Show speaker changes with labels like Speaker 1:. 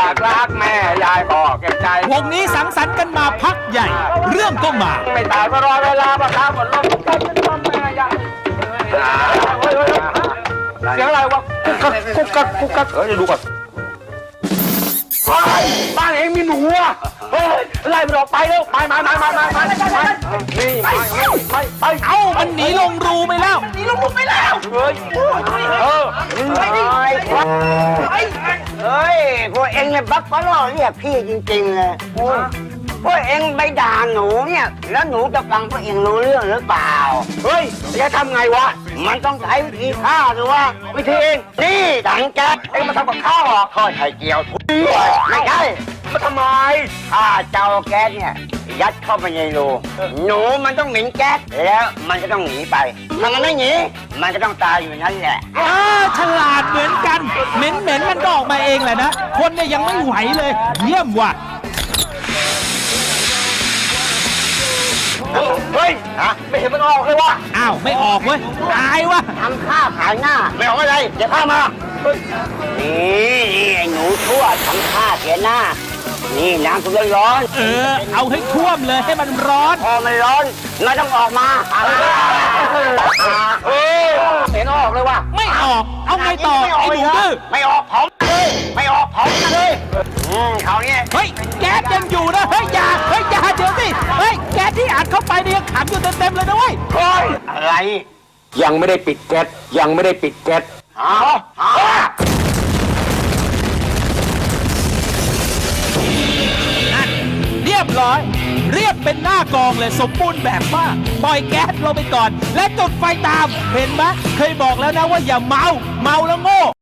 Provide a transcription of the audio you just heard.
Speaker 1: ากรักแม่ยายพ่อเก็บใจ
Speaker 2: วงนี้สังสรรค์กันมาพักใหญ่ เรื่องก็มา
Speaker 1: ไม่ตายก็รอเวลาประทับหมดลมใจเป็นลมแม่ยายเสียงอะไรวะกุ๊กกักกุ๊กกักเดี๋ยวดูก่อนบ้านเองมีหนูอ่ะเฮ้ยไล่มันออกไปแล้วไปมานี่ไป
Speaker 2: เอ้ามันหนีลงรูไปแล้ว
Speaker 1: เฮ้ย
Speaker 3: เฮ้ยพวกเองเนี่ยบักก็ล่อเรียกพี่จริงๆเลยพวกเองไปด่าหนูเนี่ยแล้วหนูจะฟังพวกเองรู้เรื่องหรือเปล่า
Speaker 1: เฮ้ยจะทำไงวะ
Speaker 3: มันต้องใช้วิธีฆ่าหรือว่าวิธีเองนี่ถังแก๊ส
Speaker 1: เอ็งมาทำกับข้าวเหรอ
Speaker 3: ทอดไข่เจียวทุกไม่ใช่
Speaker 1: มาทำไม
Speaker 3: ถ้าเจ้าแก๊สเนี่ยยัดเข้าไปในรูหนูมันต้องเหม็นแก๊สแล้วมันก็ต้องหนีไปถ้ามันไม่หนีมันก็ต้องตายอยู่นั่นแหละ
Speaker 2: ฉลาดเหมือนกัน เหม็นมันก็ออกมาเองแหละนะ คนเนี่ยยังไม่ไหวเลย เยี่ยมว่ะ
Speaker 1: เฮ้ยไม่เห็นมันออกเลยวะ
Speaker 2: อ้าว ไม่ออกเว้ย ตายวะ
Speaker 3: ทำข้าขายหน้าไม่ออกอะไรเดี๋ยวข้ามานี่ไอ้หนูชั่วทำข้าเสียหน้านี่น้ำทุกร้อน
Speaker 2: เอาให้ท่วมเลยให้มันร้อน
Speaker 3: พอมันร้อนเราต้องออกมา
Speaker 1: เห็นออกเลยวะ
Speaker 2: ไม่ออก เอาไงต่อ ไอ้หนูดื้อ
Speaker 3: ไม่ออกเผาเลยไม่ออกเผาเลยเขาเนี่ย
Speaker 2: เฮ้ย แก๊สยังอยู่นะ เฮ้ยอย่าเดี๋ยวสิ เฮ้ย แก๊สที่อัดเข้าไปเนี่ยขังอยู่เต็มเลยนะเว้ย
Speaker 3: อะไร
Speaker 1: ยังไม่ได้ปิดแก๊สยังไม่ได้ปิดแก๊ส
Speaker 2: เรียบร้อย เรียบเป็นหน้ากองเลยสมบูรณ์แบบมากปล่อยแก๊สลงไปก่อน และจุดไฟตาม เห็นไหมเคยบอกแล้วนะว่าอย่าเมาแล้วโง่